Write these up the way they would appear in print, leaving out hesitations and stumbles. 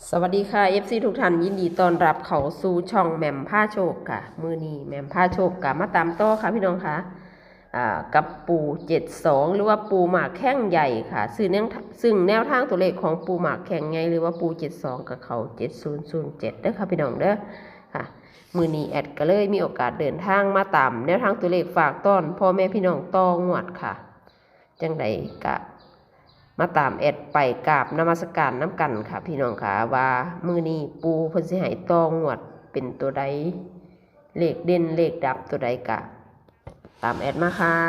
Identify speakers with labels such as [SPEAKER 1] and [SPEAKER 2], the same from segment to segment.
[SPEAKER 1] สวัสดีค่ะ FC ทุกท่านยินดีต้อนรับเข้าสู่ช่องแหม่มผ้าโชคค่ะมือนี้แหม่มผ้าโชคกับมาตามต่อค่ะพี่น้องค่ะกับปู72หรือว่าปูหมากแข้งใหญ่ค่ะซึ่งแนวทางตัวเลขของปูหมากแข้งใหญ่หรือว่าปู72กับเขา7007เด้อค่ะพี่น้องเด้อค่ะมือนี้แอดก็เลยมีโอกาสเดินทางมาตามแนวทางตัวเลขฝากต้อนพ่อแม่พี่น้องต่องวดค่ะจังใดกะมาตามแอดไปกราบนมัสการน้ำกันค่ะพี่น้องค่ะว่ามือนี้ปูเพิ่นสิให้ตองวดเป็นตัวใดเลขเด่นเลขดับตัวใดกะตามแอดมาค่ะ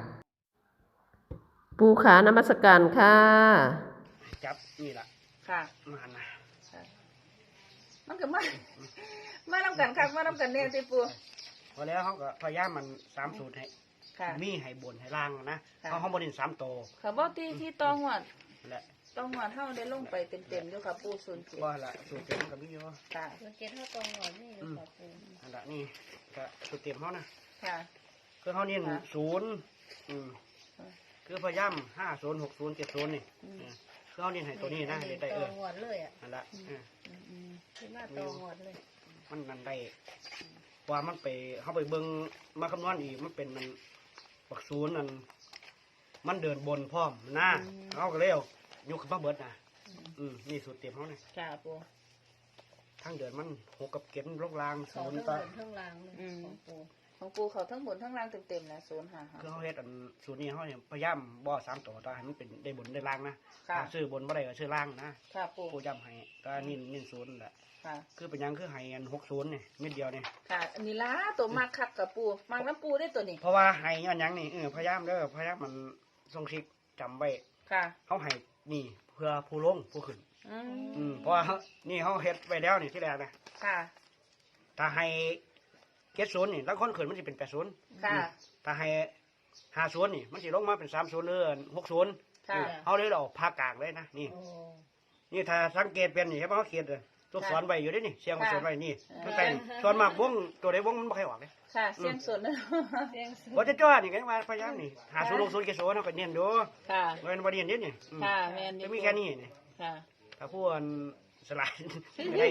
[SPEAKER 1] ปูขานมัสการค่ะ
[SPEAKER 2] จับนี่แหละ
[SPEAKER 3] ค่ะ
[SPEAKER 2] มาหันนะ
[SPEAKER 3] มันก็มาทำกันครับมาทำกันเนี่ยที่ปู
[SPEAKER 2] พอแล้วเขาก็พยายามมัน3 สูตรให้มีให้บนให้ล่างนะเขาบน3 โต
[SPEAKER 3] ค่ะบ่ที่ต้องหวด
[SPEAKER 2] แหละ
[SPEAKER 3] ต้องหวดเท่าได้ลงไปเต็มๆอยู่ค่ะปู
[SPEAKER 2] ว่าละสูตรเต็มกับมีอยู่
[SPEAKER 3] ค่ะ07เท่าต้องหวดนี่อยู่ค่ะปู
[SPEAKER 2] อันละนี่ก็สูตรเต็มเขานะ
[SPEAKER 3] ค่ะ
[SPEAKER 2] คือเขานี่0คือพยายาม50 60 70นี่คือเขานี่ให้ตัวนี้นะได้
[SPEAKER 3] ต้องหวดเลยอ่ะ
[SPEAKER 2] อันละ
[SPEAKER 3] คือมาต้องหวดเลย
[SPEAKER 2] มันนั่นได้ว่ามันไปเขาไปเบิ่งมาคำนวณอีกมันเป็นมันปักศูนย์นั่นมันเดินบนพร้อมนะเขาก็เลยเอายกขึ้นมาเบิดนะนี่สูตรเต็มเขาเนี่ย
[SPEAKER 3] ค่ะปู
[SPEAKER 2] ทั้งเดินมัน6 กับเก็บลงล่าง
[SPEAKER 3] 0ต่อทั้งล่างของปูเขาทั้งบนทั้งล่างเต็มๆนะ0หา
[SPEAKER 2] คือเขาเฮ็ดสูตรนี้เขาเนี่ยพยายามบ่3 ตัวตาให้มันเป็นได้บนได้ล่างนะซื้อบนบ่ได้ก็ซื้อล่างนะ
[SPEAKER 3] ค่ะปู
[SPEAKER 2] ย้ำให้ก็นิ่น0แหละคือเป็นยังคือให้อัน60เนี่ยเม็ดเดียวเนี่ย
[SPEAKER 3] ค่ะอันนี้ล้าตัวมากคักกับปูมากน้ำปูได้ตัวนี้
[SPEAKER 2] เพราะว่าให้อันยังนี่พยายามมันทรงชิกจำไว้
[SPEAKER 3] ค่ะ
[SPEAKER 2] เขาให้นี่เพื่อผู้ลงผู้ขึ้นเพราะว่านี่เขาเฮ็ดไว้แล้วนี่ที่แรกนะ
[SPEAKER 3] ค่ะ
[SPEAKER 2] ถ้าให้70นี่แล้วคนขึ้นมันจะเป็น80
[SPEAKER 3] ค่ะ
[SPEAKER 2] ถ้าให้50นี่มันจะลงมาเป็น30หรือ60
[SPEAKER 3] ค่ะ
[SPEAKER 2] เขาเลยเอาภาคกลางเลยนะนี่ถ้าสังเกตเป็นนี่ใช่ไหมเขาเขียนเลยตัวสอนไว้อยู่ด้วยนี่เสียงสอนไว้นี่ตั้งแต่สอนมากวงตัวใดวงมันไม่ค่อยออกเลย
[SPEAKER 3] ค่ะเสียงสดนะเสียงสด
[SPEAKER 2] ว่าจะจ้านี่กันมาพยายามนี่50 60 70เขาก็เนียนดู
[SPEAKER 3] ค่ะ
[SPEAKER 2] เงินวันเนียนนิดนี่
[SPEAKER 3] ค่ะแมน
[SPEAKER 2] จะมีแค่นี้นี่
[SPEAKER 3] ค่ะ
[SPEAKER 2] ถ้าพูดสลายได้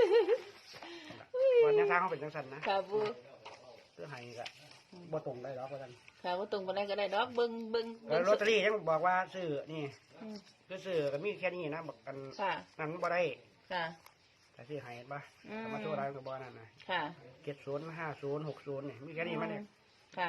[SPEAKER 2] วันนี้ทางเขาเป็นจังสันนะ
[SPEAKER 3] ค่ะบู
[SPEAKER 2] เพื่อให้ก็บ่ตรงได้หรอกว่ากัน
[SPEAKER 3] ค่ะบ่ตรงไปได้ก็ได้ดอกเบิ้ง
[SPEAKER 2] ลอตเตอรี่ยังบอกว่าซื้อนี่คือซื้อก็มีแค่นี้นะบอกกันนั้นบ่ได้
[SPEAKER 3] ค่ะ
[SPEAKER 2] แต่ซื้อให้ป่ะมาโชว์ร้านกับบ่นั่นนะ
[SPEAKER 3] ค่ะ
[SPEAKER 2] 70 50 60นี่มีแค่นี้มั้ยเนี่ย
[SPEAKER 3] ค่ะ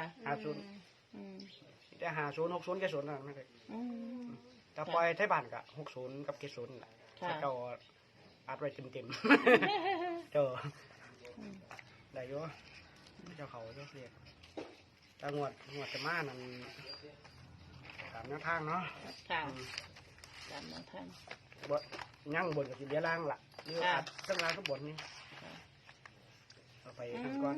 [SPEAKER 2] 50แต่50 60 70นั่นไม่ได้แต่ปล่อยไทยบ้านก็60กับ70น่ะเจ้าอัดไว้เต็มๆเจ้าได้อยู่เจ้าเขาเจ้าเรียกแต่งวดจะมานั่นตามแนวทางเนาะ
[SPEAKER 3] ค่ะตามแนวทาง
[SPEAKER 2] บ่ยั่งบนกับสิเดียล่างล่ะหรืออัดข้างล่างข้างบนนี่เอาไปกันก่อน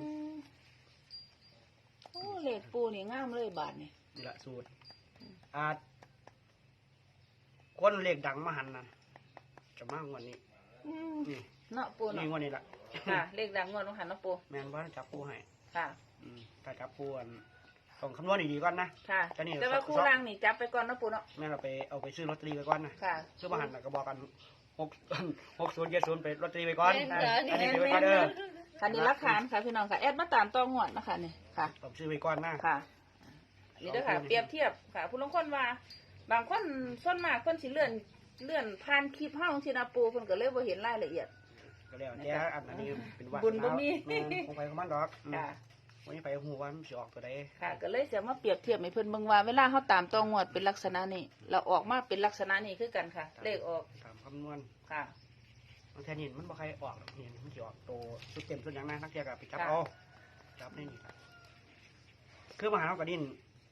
[SPEAKER 3] โอ้เลขปูนี่งามเลยบาทนี่
[SPEAKER 2] นี่ละสูตรอาจคนเลขดังมาหันนั่นจะมากกว่านี้นี่
[SPEAKER 3] เนาะปูเนาะ
[SPEAKER 2] นี่งวดนี้ละ
[SPEAKER 3] ค่ะเลขดังงวดต้องหันเนาะปู
[SPEAKER 2] แม่นว่าจับปูให้
[SPEAKER 3] ค่ะ
[SPEAKER 2] ถ้าจับปูต้องคำนวณดีๆก่อนนะ
[SPEAKER 3] ค่ะแต่ว่าคู่ล่างนี่จับไปก่อนเนาะปูเนาะ
[SPEAKER 2] แม่เราไปเอาไปซื้อลอตเตอรี่ไปก่อนนะ
[SPEAKER 3] ค่ะ
[SPEAKER 2] ซื้อมาหันก็บอกกัน60 70ไปลอตเตอรี่ไปก่อนอันนี้ไปก่อน
[SPEAKER 3] ค่ะนี่รักฐานค่ะพี่น้องค่ะแอดมาตามตองวดนะคะนี่ค่ะ
[SPEAKER 2] ต้องซื้อไปก่อนนะ
[SPEAKER 3] ค่ะนี่เด้อค่ะเปรียบเทียบค่ะผู้ลงคนว่าบางคนส่วนมากคนสิเลื่อนผ่านคลิปเฮาสินะปูเพิ่นก็เลยบ่เห็นรายละเอียด
[SPEAKER 2] ก็แล้วแต่อันนี้เป็นวัด
[SPEAKER 3] บุญบ่มี
[SPEAKER 2] คงไปของมันดอก
[SPEAKER 3] ค่ะ
[SPEAKER 2] วันนี้ไปหูว่ามันสิออกตัวใด
[SPEAKER 3] ค่ะก็เลยสิมาเปรียบเทียบให้เพิ่นเบิ่งว่าเวลาเฮาตามตองวดเป็นลักษณะนี้เราออกมาเป็นลักษณะนี้คือกันค่ะเลขออก
[SPEAKER 2] ตามคำนวณ
[SPEAKER 3] ค่ะ
[SPEAKER 2] บางทีนี่มันบ่ใครออกนี่มันสิออกโตสุดเต็มสุดอย่างนั้นนักเที่ยวก็ไปจับเอาจับได้นี่ครับคือมหาเราก็ดิ้น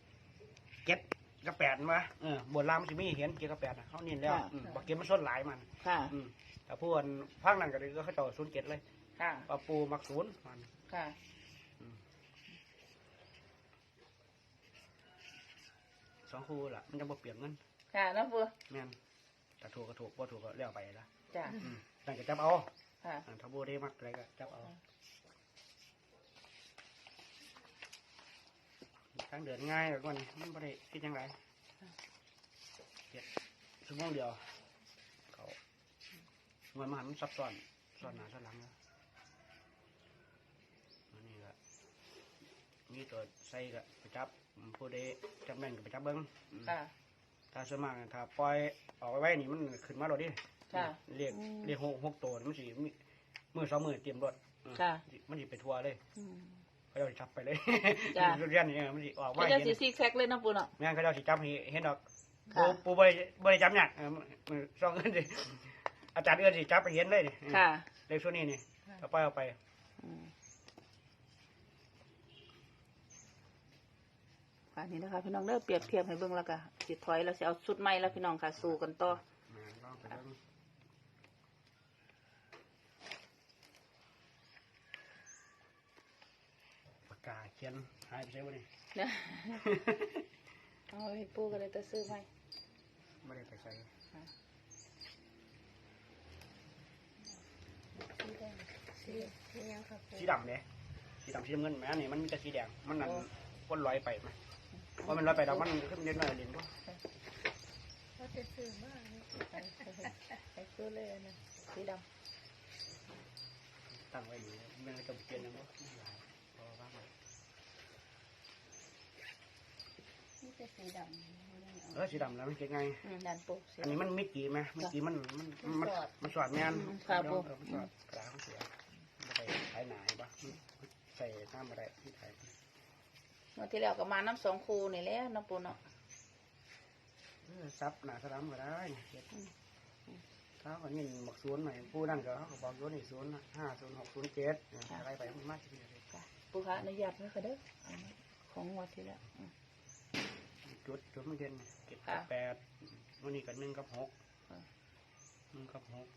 [SPEAKER 2] 7 กับ 8มาบนล่างมันสิมีเห็น7 กับ 8นะเขานิ่นแล้วบักเก็บมันส้นหลายมัน
[SPEAKER 3] ค่ะ
[SPEAKER 2] แต่พวกพังนั่นก็เลยก็เขาต่อ07เลย
[SPEAKER 3] ค่ะ
[SPEAKER 2] ปลาปูมัก0มัน
[SPEAKER 3] ค่ะ
[SPEAKER 2] 2 คู่ล่ะมันจะบ่เปลี่ยนเงิน
[SPEAKER 3] ค่ะนะปู
[SPEAKER 2] แม่นถ้าถูกก็ถูกบ่ถูกก็เลี้ยวไปละ
[SPEAKER 3] จ้ะ
[SPEAKER 2] นั่นก็จับเอา
[SPEAKER 3] ค่ะ
[SPEAKER 2] ถ้าบ่ได้มักอะไรก็จับเอาทางเดินง่ายแบบนี้มันบ่ได้คิดจังไดชั่วโมงเดียวเขางวดมาหันมันซับซ้อนซ้อนหน้าซ้อนหลังแล้วอันนี้ก็มีตัวใส่ก็ไปจับผู้ใดจับแม่นก็ไปจับเบิ้ง
[SPEAKER 3] ค่ะ
[SPEAKER 2] ถ้าส่วนมากถ้าปล่อยออกไว้นี่มันขึ้นมาโลดดิ
[SPEAKER 3] ค่ะ
[SPEAKER 2] เรียกหกตัวมันสิมือสองมือเตรียมรถ
[SPEAKER 3] ค่ะ
[SPEAKER 2] มันสิไปทัวร์เลย
[SPEAKER 3] อืม
[SPEAKER 2] เขาจะจับไปเลย
[SPEAKER 3] จ้ะ
[SPEAKER 2] เรียนนี่มันสิออก
[SPEAKER 3] เขา
[SPEAKER 2] ไว้
[SPEAKER 3] จะ
[SPEAKER 2] เห็น
[SPEAKER 3] ซีแซกเลยเนาะปูเนาะ
[SPEAKER 2] แม่งเขาจะสิจับเห็นดอก
[SPEAKER 3] ค่ะ
[SPEAKER 2] ปูบริจับเนี่ยมือสองเงินสิอาจารย์เอื้อนสิจับไปเห็นเลยนี่
[SPEAKER 3] ค่ะ
[SPEAKER 2] เลขส่วนนี้นี่เอาไป
[SPEAKER 3] อืมค่ะนี่นะคะพี่น้องเด้อเปรียบเทียบให้เบิ่งแล้วก็สิถอยแล้วสิเอาชุดใหม่แล้วพี่น้องค่ะสู้กันต่อ
[SPEAKER 2] ลองไปเบิ่งปากกาเขียนหายไปใช่ไหมนี่
[SPEAKER 3] เนี่ยเอาให้ปูก็เลยจะซื้อให้
[SPEAKER 2] ไม่ได้ไปใส่ สีดำเนี่ยสีดำสีน้ำเงินแม่นี่มันมีแต่สีแดงมันนั่นก้นลอยไปไหมเพราะมันลอยไปแล้วมันขึ้นเด่นหน่อยเด่นก็
[SPEAKER 3] เขาจะซื้อมากให้ซื้อเลยนะสีด
[SPEAKER 2] ตั้งไว้อยู่มันก็จะเปลี่ยนนะมั้งพอว่า
[SPEAKER 3] นี่จะสีดำ
[SPEAKER 2] สีดำแล้วมันเก่งไง
[SPEAKER 3] ดันปู
[SPEAKER 2] อันนี้มันมิดกี่ไหมมิดกี่มันสอดแมน
[SPEAKER 3] ค่ะปู
[SPEAKER 2] มันสอดกระดาษมันเสียมันไปถ่ายหนาเห็นปะใส่น้ำอะไรที่ถ่าย
[SPEAKER 3] เมื่อที่แล้วก็มาน้ำสองคูนี่แหละน้ำปูเนาะ
[SPEAKER 2] ซับหนาสลัมก็ได้เขาก็ยินบอกศูนย์ใหม่ผู้นั่นก็เขาก็บอกศูนย์นี่050607อะไรไปมันมากทีเดียว
[SPEAKER 3] ปูคะอนุญาตไหมคะเด้อของงวดที่แล้ว
[SPEAKER 2] จุดมันเด่น7 กับ 8วันนี้ก็1 กับ 6 1 กับ 6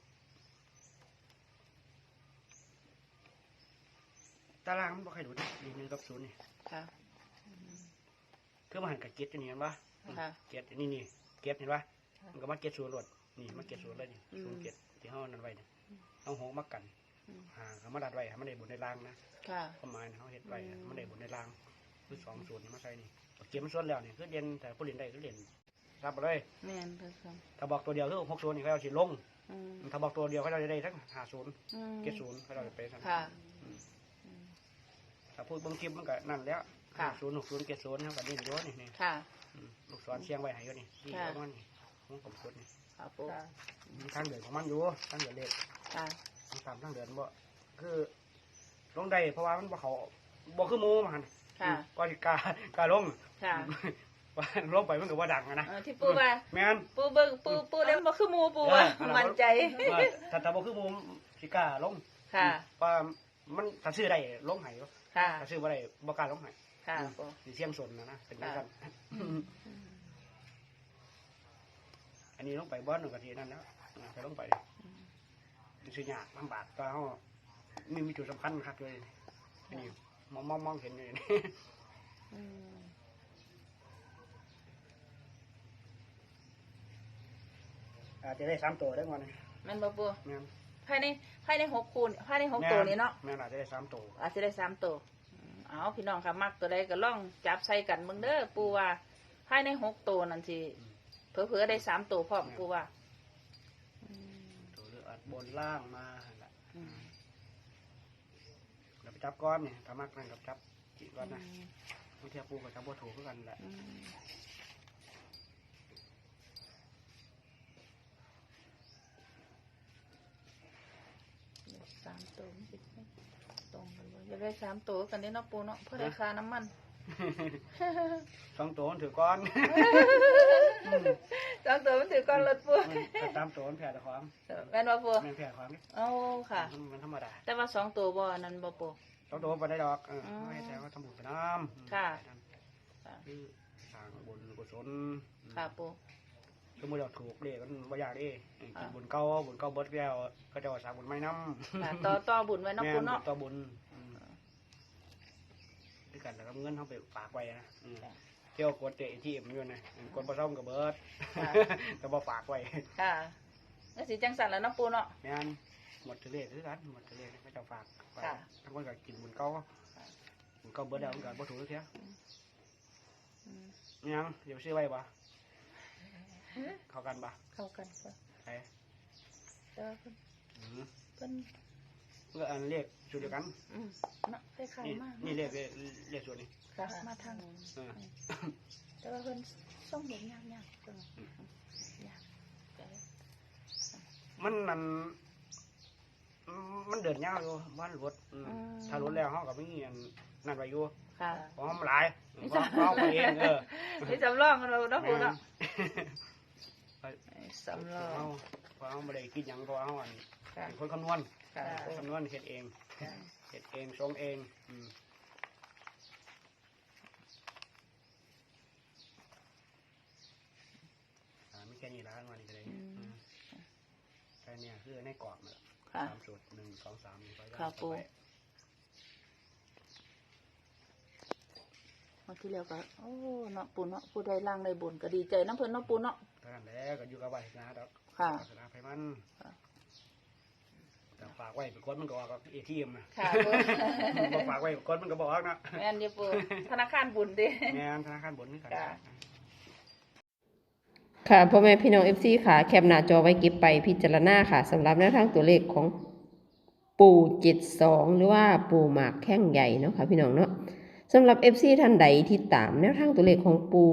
[SPEAKER 2] ตารางมันบ่ใครดูนี่1 กับ 0นี่
[SPEAKER 3] ค่ะ
[SPEAKER 2] คือมันหันกับเก็ตนี่เห็นปะ
[SPEAKER 3] ค่ะ
[SPEAKER 2] เก็ตนี่เก็ตเห็นปะมันก็มาเก็ต0รถนี่มาเก็ต0เลยนี่07ที่ห้องนั้นไว้เนี่ยเอาหงมากันเขามาดัดไว้ให้มันได้บนในรางนะ
[SPEAKER 3] ค่ะ
[SPEAKER 2] ประมาณเขาเฮ็ดไว้มันได้บนในรางคือ20นี่มาใส่นี่เก็บมันส่วนแล้วนี่คือเด่นแต่ผู้เล่นได้คือเล่นรับไปเลย
[SPEAKER 3] แม่นเพิ่นครับ
[SPEAKER 2] ถ้าบอกตัวเดียวคือ60นี่เขาเอาสิลง ถ้าบอกตัวเดียวเขาจะได้ทั้ง50เก็ต0เขาจะไปทั้ง
[SPEAKER 3] ค่ะ
[SPEAKER 2] ถ้าพูดบางคลิปมันก็นั่นแล้ว
[SPEAKER 3] ค่ะ
[SPEAKER 2] 50 60 70เขาก็ดิ้นด้วยนี่
[SPEAKER 3] ค่ะ
[SPEAKER 2] ลูกศรเชียงไว้ให้อยู่นี่ที่เอามันนี่ของผมกดนี่
[SPEAKER 3] ค่ะปู
[SPEAKER 2] มีทางเดินของมันอยู่ทางเดินเล็ก
[SPEAKER 3] ค่ะ
[SPEAKER 2] ทางเดินบ่คือลงได้เพราะว่ามันบ่เขาบ่คือหมูมัน
[SPEAKER 3] ค่ะ
[SPEAKER 2] ก็สิกล้าลง
[SPEAKER 3] ค่ะ
[SPEAKER 2] ว่าลงไปมันก็บ่ดังอะนะ
[SPEAKER 3] ที่ปูว่า
[SPEAKER 2] แม่น
[SPEAKER 3] ปูเบิ่งปูเล่นบ่คือหมูปูว่ามั่นใจ
[SPEAKER 2] ว่าถ้าบ่คือหมูสิกล้าลง
[SPEAKER 3] ค่ะ
[SPEAKER 2] ว่ามันถ้าซื้อได้ลงให้
[SPEAKER 3] ค่ะ
[SPEAKER 2] ถ้าซื้อบ่ได้บ่กล้าลงให้
[SPEAKER 3] ค่ะปู
[SPEAKER 2] สิเสี่ยงสนนะเป็นจังซั่นอันนี้ลงไปบ่นึงก็สินั่นแล้วไปลงไปสิยากลำบากก็เฮามีจุดสำคัญครับเลยอันนี้มองเห็นอยู่นี่ อาจจะได้3ตัวได้ก่อนนี่
[SPEAKER 3] แม่นบ่ปู
[SPEAKER 2] แม่น
[SPEAKER 3] ภายใน6คูณภายใน6ตัวนี้เนาะ
[SPEAKER 2] แม่นอาจจะได้3ตัว
[SPEAKER 3] อาจจะได้3ตัวเอาพี่น้องค่ะมักตัวใดก็ลองจับใส่กันเบิ่งเด้อปูว่าภายใน6ตัวนั่นสิเผลอๆได้3ตัวพร้อมปูว่า
[SPEAKER 2] ตัวเลือดบนล่างมาหั่นล่ะเราไปจับก้อนนี่ถ้ามักนั่นกับจับจีก้อนนะบางทีปูกับจับบ่ถูกคือกันแหละ
[SPEAKER 3] 3ตัวมันสิตรงกันบ่อยากได้3ตัวกันเด้เนาะปูเนาะเพื่อได้ค่าน้ำมัน
[SPEAKER 2] 2ตัวมันถือก้อน
[SPEAKER 3] 2ตัวมันถือก้อนรถปู
[SPEAKER 2] ถ้า3ตัวมันแผ่ตะความ
[SPEAKER 3] แม่นบ่ปู
[SPEAKER 2] แม่นแผ่ความนี่
[SPEAKER 3] เอาค่ะ
[SPEAKER 2] มันธรรมดา
[SPEAKER 3] แต่ว่า2ตัวบ่นั่นบ่ปู
[SPEAKER 2] 2ตัวบ่ได้ดอกไม่ใช่ว่าทำบุญไปน้ำ
[SPEAKER 3] ค่ะ
[SPEAKER 2] คือสร้างบุญกุศล
[SPEAKER 3] ค่ะปู
[SPEAKER 2] สมมติเราถูกเลขมันบ่อยากดิกินบุญเก่าเบิดแล้วก็จะว่าสร้างบุญใหม่นำ
[SPEAKER 3] ค่ะต่อบุญไว้เนาะปูเนาะ
[SPEAKER 2] ต่อบุญด้วยกันแล้วก็เงินเขาไปฝากไว้นะเที่ยวกดเตะที่มันอยู่นะกดบ่ซ่อมกับเบิดก็บ่ฝากไว้
[SPEAKER 3] ค่ะก็สิจังสั่นแล้วเนาะปูเนาะ
[SPEAKER 2] แม่นหมดทะเลคือกันหมดทะเลก็จะฝาก
[SPEAKER 3] ค่ะ
[SPEAKER 2] ทั้งคนก็กินบุญเก่าเบิดแล้วมันก็บ่ถูกเสียยังเดี๋ยวซื้อไว้บ่เข้ากันบ่
[SPEAKER 3] เข้ากันค่ะ
[SPEAKER 2] ไอ้
[SPEAKER 3] เด้อ
[SPEAKER 2] ม
[SPEAKER 3] เพิ่น
[SPEAKER 2] ก็อันเรียกชุดเดียวกัน
[SPEAKER 3] เนาะคล้ายๆมาก
[SPEAKER 2] นี่เรียกชุดนี้
[SPEAKER 3] ค่ะมาทาง
[SPEAKER 2] เออ
[SPEAKER 3] แต่ว่าเพิ่นส่งเด็กยากๆเพิ่นยากก็เลย
[SPEAKER 2] มันเดินยาวอยู่บ้านรถถ้ารถแล้วเขาก็มีอันนั่นไว้อยู่
[SPEAKER 3] ค่ะ
[SPEAKER 2] เพราะมันหลายเขาไปเอง
[SPEAKER 3] นี่จำลองกันเราเนาะปูเนาะสำรอง
[SPEAKER 2] เพราะเขาไม่ได้คิดหยังเพราะเขาอัน
[SPEAKER 3] ค่ะ
[SPEAKER 2] เป็นคนคำนวณ
[SPEAKER 3] ค่ะ
[SPEAKER 2] คำนวณเฮ็ดเอง
[SPEAKER 3] ค่ะ
[SPEAKER 2] เฮ็ดเองส่งเองไม่แค่นี้ละวันนี้ก็เลยแค่นี้คือในกรอบเลย
[SPEAKER 3] ค่ะ
[SPEAKER 2] 3 สูตร 1 2 3นี่ก็
[SPEAKER 3] ค่ะปูเมื่อที่แล้วก็โอ้เนาะปูเนาะผู้ใดล่างได้บุญก็ดีใจน้ำเพิ่นเนาะปูเนาะ
[SPEAKER 2] เท่านั้นแหละก็อยู่กับไว้นะดอก
[SPEAKER 3] ค่ะ
[SPEAKER 2] ศาสนาไปมัน
[SPEAKER 3] ค่ะ
[SPEAKER 2] แต่ฝากไว้เป็นคนมันก็ออกกับATMนะ
[SPEAKER 3] ค่ะปู
[SPEAKER 2] บ่ฝากไว้เป็นคนมันก็บอกนะ
[SPEAKER 3] แม่นอยู่ปูธนาคารบุญเด้
[SPEAKER 2] แม่นธนาคารบนนี่กัน
[SPEAKER 3] ค่ะ
[SPEAKER 1] ค่ะพ่อแม่พี่น้อง FC ค่ะแคปหน้าจอไว้เก็บไปพิจารณาค่ะสำหรับแนวทางตัวเลขของปู่72หรือว่าปู่หมากแข้งใหญ่เนาะค่ะพี่น้องเนาะสำหรับ FC ท่านใดที่ตามแนวทางตัวเลขของปู่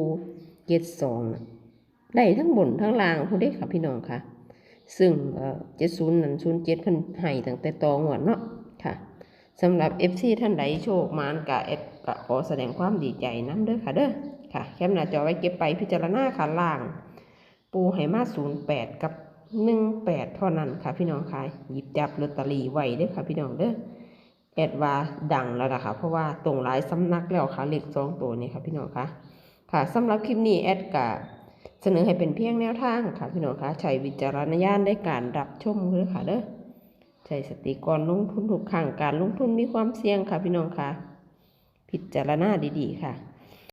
[SPEAKER 1] 72ได้ทั้งบนทั้งล่างผู้ใดค่ะพี่น้องค่ะซึ่ง70นั้น07เพิ่นให้ตั้งแต่ตองวดเนาะค่ะสำหรับ FC ท่านใดโชคมานกะแอดกะขอแสดงความดีใจนำเด้อค่ะเด้อค่ะแคปหน้าจอไว้เก็บไปพิจารณาค่ะล่างปูให้มา08กับ18เท่านั้นค่ะพี่น้องค่ะหยิบจับลอตเตอรี่ไว้เด้อค่ะพี่น้องเด้อแอดว่าดังแล้วล่ะค่ะเพราะว่าตรงหลายสำนักแล้วค่ะเลข2ตัวนี้ค่ะพี่น้องค่ะค่ะสำหรับคลิปนี้แอดกะเสนอให้เป็นเพียงแนวทางค่ะพี่น้องค่ะใช้วิจารณญาณในการรับชมเด้อค่ะเด้อใช้สติก่อนลงทุนทุกครั้งการลงทุนมีความเสี่ยงค่ะพี่น้องค่ะพิจารณาดีๆค่ะ